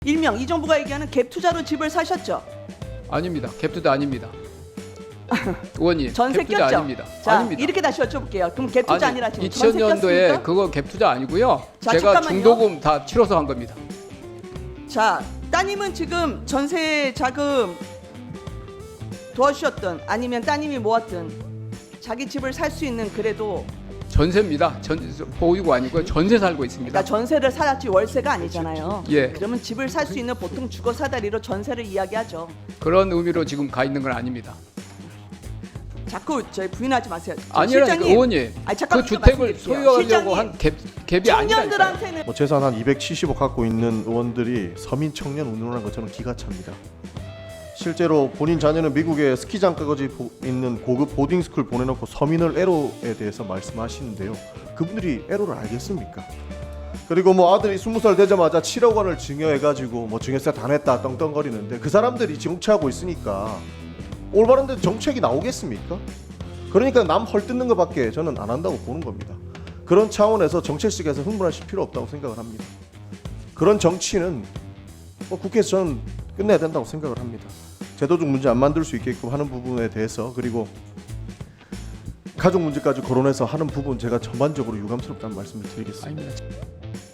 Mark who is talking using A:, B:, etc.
A: 일명 이 정부가 얘기하는 갭 투자로 집을 사셨죠?
B: 아닙니다. 갭투자 아닙니다. 의원님,
A: 전세
B: 갭투자
A: 꼈죠?
B: 아닙니다.
A: 자,
B: 아닙니다.
A: 이렇게 다시 여쭤볼게요. 그럼 갭 투자 아니라 지금 전세
B: 2000년도에
A: 꼈습니까?
B: 그거 갭투자 아니고요.
A: 자,
B: 제가
A: 잠깐만요.
B: 중도금 다 치러서 한 겁니다.
A: 자, 따님은 지금 전세 자금 도와주셨든 아니면 따님이 모았든 자기 집을 살 수 있는 그래도
B: 전세입니다. 보유고 아니고요. 전세 살고 있습니다.
A: 그러니까 전세를 살았지 월세가 아니잖아요.
B: 예.
A: 그러면 집을 살 수 있는 보통 주거 사다리로 전세를 이야기하죠.
B: 그런 의미로 지금 가 있는 건 아닙니다.
A: 자꾸 저희 부인하지 마세요.
B: 아니라니까
A: 실장님,
B: 의원님.
A: 아니, 잠깐
B: 그 주택을
A: 말씀드릴게요.
B: 소유하려고
A: 실장님,
B: 한 갭이 아니라니까요.
A: 청년들한테는
C: 뭐 재산 한 270억 갖고 있는 의원들이 서민 청년 운운하는 거 저는 기가 찹니다. 실제로 본인 자녀는 미국에 스키장까지 있는 고급 보딩스쿨 보내놓고 서민을 애로에 대해서 말씀하시는데요. 그분들이 애로를 알겠습니까? 그리고 뭐 아들이 20살 되자마자 7억 원을 증여해가지고 뭐 증여세 다 냈다 떵떵거리는데 그 사람들이 정치하고 있으니까 올바른 데 정책이 나오겠습니까? 그러니까 남 헐뜯는 것밖에 저는 안 한다고 보는 겁니다. 그런 차원에서 정책식에서 흥분하실 필요 없다고 생각을 합니다. 그런 정치는 국회에서 저는 끝내야 된다고 생각을 합니다. 제도적 문제 안 만들 수 있게끔 하는 부분에 대해서 그리고 가족 문제까지 거론해서 하는 부분 제가 전반적으로 유감스럽다는 말씀을 드리겠습니다.
B: 아닙니다.